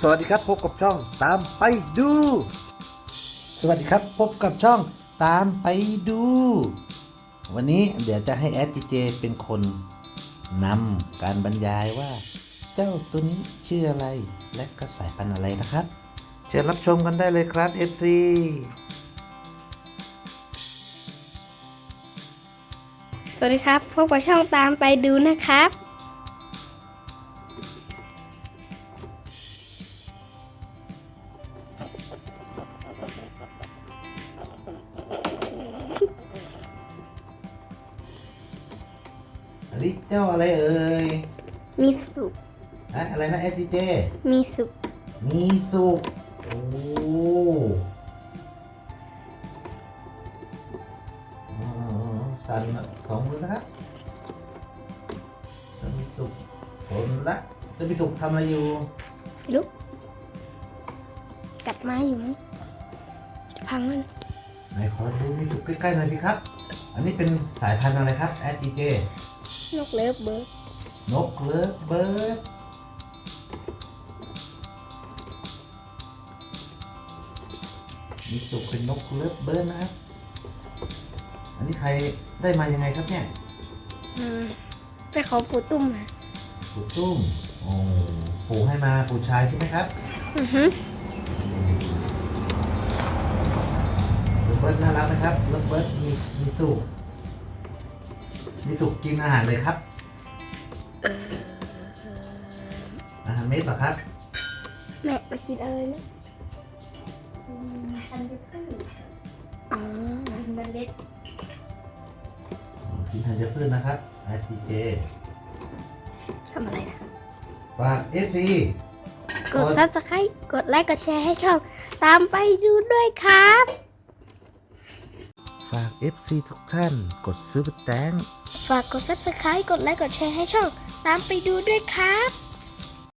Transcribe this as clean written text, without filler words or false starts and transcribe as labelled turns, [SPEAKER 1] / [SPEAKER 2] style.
[SPEAKER 1] สวัสดีครับพบกับช่องตามไปดู
[SPEAKER 2] สวัสดีครับพบกับช่องตามไปดู วันนี้เดี๋ยวจะให้แอดจีเจเป็นคนนำการบรรยายว่า เจ้าตัวนี้ชื่ออะไรและก็สายพันธุ์อะไรนะครับ เชิญรับชมกันได้เลยครับ FC
[SPEAKER 3] สวัสดีครับพบกับช่องตามไปดูนะครับ
[SPEAKER 2] อันนี้เจ้าอะไรเอ่ย
[SPEAKER 3] มีสุข
[SPEAKER 2] อะไรนะ แอดจีเจ
[SPEAKER 3] มีสุข
[SPEAKER 2] มีสุกโอ้สั่นสองมือนะครับจะมีสุกสนละจะมีสุกทำอะไรอยู่
[SPEAKER 3] ลุกกัดไม้อยู่มั้งจะพังมัน
[SPEAKER 2] ไหนขอดูมีสุกใกล้ๆหน่อยสิครับ อันนี้เป็นสายพันธุ์อะไรครับ SGJ
[SPEAKER 3] นกเลิฟเบิร์ด
[SPEAKER 2] นกเลิฟเบิร์ดมีสุกเป็นนกเลิฟเบิร์ดนะครับ อันนี้ใครได้มายังไงครับเนี่ย
[SPEAKER 3] ไปขอปู่ตุ้มมา
[SPEAKER 2] ปู่ตุ้มโอ้ปู่ให้มาปู่ชายใช่ไหมครับ
[SPEAKER 3] อือฮึ
[SPEAKER 2] เลิฟเบิร์ดน่ารักนะครับเลิฟเบิร์ดมีสุกกินอาหารเลยครับอาหารเม็ดเหรอครับ
[SPEAKER 3] แม่มากินอะไรนะทันจะพึ่งอ๋อทันเล็ด
[SPEAKER 2] กินธัญพืชนะครับ SGJ
[SPEAKER 3] ทำอะไรนะ
[SPEAKER 2] ฝาก FC
[SPEAKER 3] กด Subscribe กดไลค์กดแชร์ให้ช่องตามไปดูด้วยครับ
[SPEAKER 2] ฝาก FC ทุกท่านกดซื้อแตง
[SPEAKER 3] ฝากกด Subscribe กดไลค์กดแชร์ให้ช่องตามไปดูด้วยครับ